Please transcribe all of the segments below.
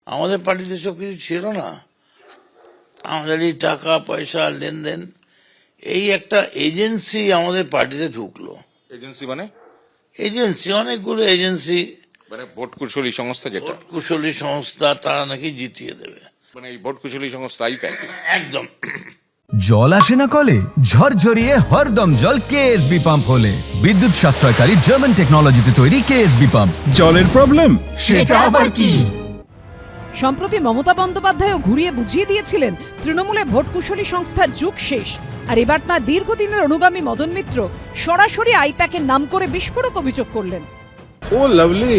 আমাদের পার্টিতে সব কিছু ছিল না। আমাদের এই টাকা পয়সা লেনদেন, এই একটা এজেন্সি আমাদের পার্টিতে ঢুকলো। এজেন্সি মানে? এজেন্সি, অনেকগুলো এজেন্সি, মানে ভোট কুশলী সংস্থা, যেটা ভোট কুশলী সংস্থা, তারা নাকি জিতিয়ে দেবে। মানে এই ভোট কুশলী সংস্থা আইপ্যাক। একদম। জল আসে না কলে, ঝরঝরিয়ে হরদম জল কেএসবি পাম্প হলে। বিদ্যুৎ সাশ্রয়কারী জার্মান টেকনোলজিতে তৈরি কেএসবি পাম্প। জলের প্রবলেম সেটা আবার কি? সম্প্রতি মমতা বন্দ্যোপাধ্যায়ও ঘুরিয়ে বুঝিয়ে দিয়েছিলেন তৃণমূলে ভোট কুশলী সংস্থার যুগ শেষ। আর এবার তাঁর দীর্ঘদিনের অনুগামী মদন মিত্র সরাসরি আইপ্যাকের নাম করে বিস্ফোরক অভিযোগ করলেন। ও লাভলি।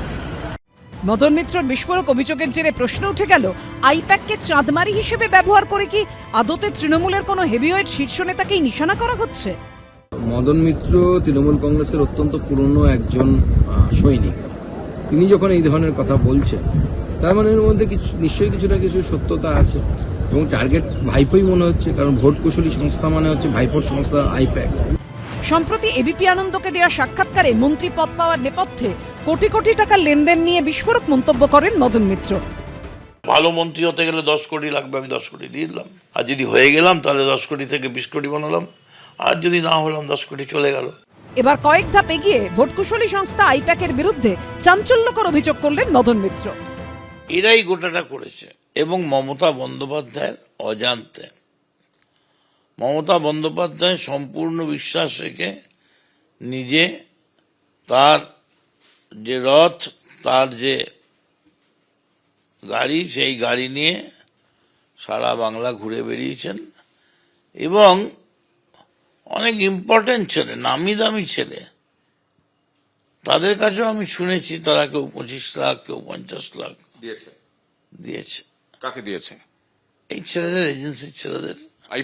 মদন মিত্রর বিস্ফোরক অভিযোগের জেরে প্রশ্ন উঠে গেল, আইপ্যাককে চাঁদমারি হিসেবে ব্যবহার করে কি আদতে তৃণমূলের কোনো হেভিওয়েট শীর্ষ নেতাকেই নিশানা করা হচ্ছে? মদন মিত্র তৃণমূল কংগ্রেসের অত্যন্ত পুরনো একজন সৈনিক। তিনি যখন এই ধরনের কথা বলছেন, তার মানে এর মধ্যে নিশ্চয়ই কিছু না কিছু সত্যতা আছে, এবং টার্গেট ভাইপোই মনে হচ্ছে, কারণ ভোট কুশলী সংস্থা মানে হচ্ছে ভাইপোর সংস্থা আইপ্যাক। সম্প্রতি এবিপি আনন্দকে দেওয়া সাক্ষাৎকারে মন্ত্রী পদ পাওয়ার নেপথ্যে কোটি কোটি টাকার লেনদেন নিয়ে বিস্ফোরক মন্তব্য করেন মদন মিত্র। ভালো মন্ত্রী হতে গেলে 10 কোটি লাগবে, আমি 10 কোটি দিয়ে দিলাম। আর যদি হয়ে গেলাম তাহলে 10 কোটি থেকে 20 কোটি বানালাম, আর যদি না হলাম 10 কোটি চলে গেল। এবার কয়েক ধাপ এগিয়ে ভোট কুশলী সংস্থা আইপ্যাকের বিরুদ্ধে চাঞ্চল্যকর অভিযোগ করলেন মদন মিত্র। এরাই গোটাটা করেছে, এবং মমতা বন্দ্যোপাধ্যায়ের অজান্তে। মমতা বন্দ্যোপাধ্যায় সম্পূর্ণ বিশ্বাস রেখে নিজে তার যে রথ, তার যে গাড়ি, সেই গাড়ি নিয়ে সারা বাংলা ঘুরে বেরিয়েছেন, এবং অনেক ইম্পর্টেন্ট ছেলে, নামি দামি ছেলে, তাদের কাছেও আমি শুনেছি তারা কেউ 25 লাখ, কেউ 50 লাখ দিয়েছে। কাকে দিয়েছে? এই ছেলেদের, এজেন্সির ছেলেদের।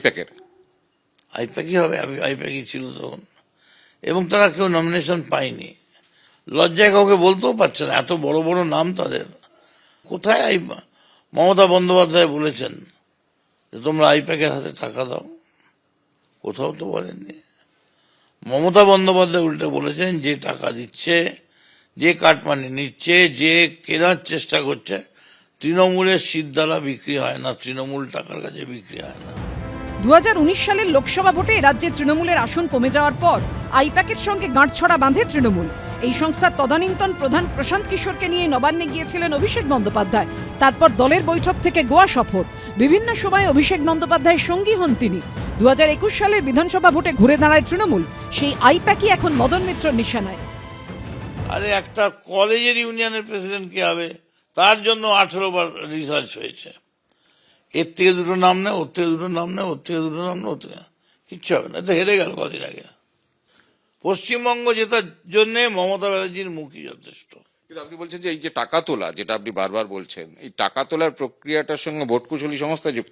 আইপ্যাকই হবে, আইপ্যাকই ছিল তখন, এবং তারা কেউ নমিনেশন পায়নি। লজ্জায় কাউকে বলতেও পারছে না, এত বড় বড় নাম তাদের। কোথায় মমতা বন্দ্যোপাধ্যায় বলেছেন যে তোমরা আইপ্যাকের হাতে টাকা দাও? কোথাও তো বলেননি। মমতা বন্দ্যোপাধ্যায় উল্টে বলেছেন যে টাকা দিচ্ছে, যে কাটমানি নিচ্ছে, যে কেনার চেষ্টা করছে, তৃণমূলের সিদ্ধারা বিক্রি হয় না, তৃণমূল টাকার কাছে বিক্রি হয় না। 2019 সালের লোকসভা ভোটে রাজ্যে তৃণমূলের আসন কমে যাওয়ার পর আইপ্যাকের সঙ্গে গাঁটছড়া বাঁধে তৃণমূল। এই সংস্থার তদানীন্তন প্রধান প্রশান্ত কিশোরকে নিয়ে নবান্নে গিয়েছিলেন অভিষেক বন্দ্যোপাধ্যায়। তারপর দলের বৈঠক থেকে গোয়া সফর। বিভিন্ন সময় অভিষেক বন্দ্যোপাধ্যায়ের সঙ্গী হন তিনি। 2021 সালের বিধানসভা ভোটে ঘুরে দাঁড়ায় তৃণমূল। সেই আইপ্যাকই এখন মদন মিত্রর নিশানায়। আরে একটা কলেজের ইউনিয়নের প্রেসিডেন্ট কে হবে, তার জন্য 18 বার রিসার্চ হয়েছে। এর থেকে দুটো নাম নেই, ওর থেকে দুটো নাম নেই, ওর থেকে দুটো নাম নেই, ওর থেকে কিচ্ছু হবে না। তো হেরে গেল কদিন আগে। পশ্চিমবঙ্গ জেতার জন্য মমতা ব্যানার্জির মুখই যথেষ্ট। কিন্তু আপনি বলছেন যে এই যে টাকা তোলা, যেটা আপনি বারবার বলছেন, এই টাকা তোলার প্রক্রিয়াটার সঙ্গে ভোট কুশলী সংস্থা যুক্ত।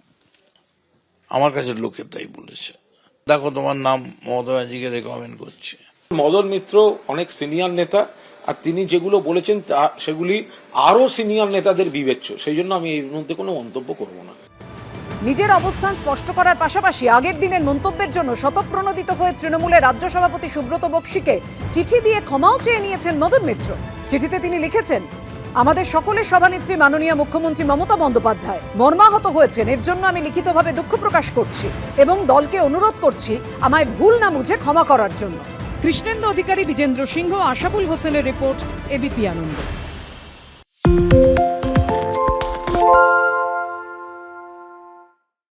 আমার কাছে লোকে তাই বলেছে। দেখো, তোমার নাম মমতা ব্যানার্জিকে রেকমেন্ড করছে। মদন মিত্র অনেক সিনিয়র নেতা, আর তিনি যেগুলো বলেছেন সেগুলি আরো সিনিয়র নেতাদের বিবেচ্য। সেই জন্য আমি এর মধ্যে কোনো মন্তব্য করব না। নিজের অবস্থান স্পষ্ট করার পাশাপাশি আগের দিনের মন্তব্যের জন্য স্বতঃপ্রণোদিত হয়ে তৃণমূলের রাজ্য সভাপতি সুব্রত বক্সিকে চিঠি দিয়ে ক্ষমাও চেয়ে নিয়েছেন মদন মিত্র। চিঠিতে তিনি লিখেছেন, আমাদের সকলের সভানেত্রী মাননীয় মুখ্যমন্ত্রী মমতা বন্দ্যোপাধ্যায় মর্মাহত হয়েছেন, এর জন্য আমি লিখিতভাবে দুঃখ প্রকাশ করছি এবং দলকে অনুরোধ করছি আমায় ভুল না বুঝে ক্ষমা করার জন্য। কৃষ্ণেন্দু অধিকারী, বিজেন্দ্র সিংহ, আশাবুল হোসেনের রিপোর্ট, এবিপি আনন্দ।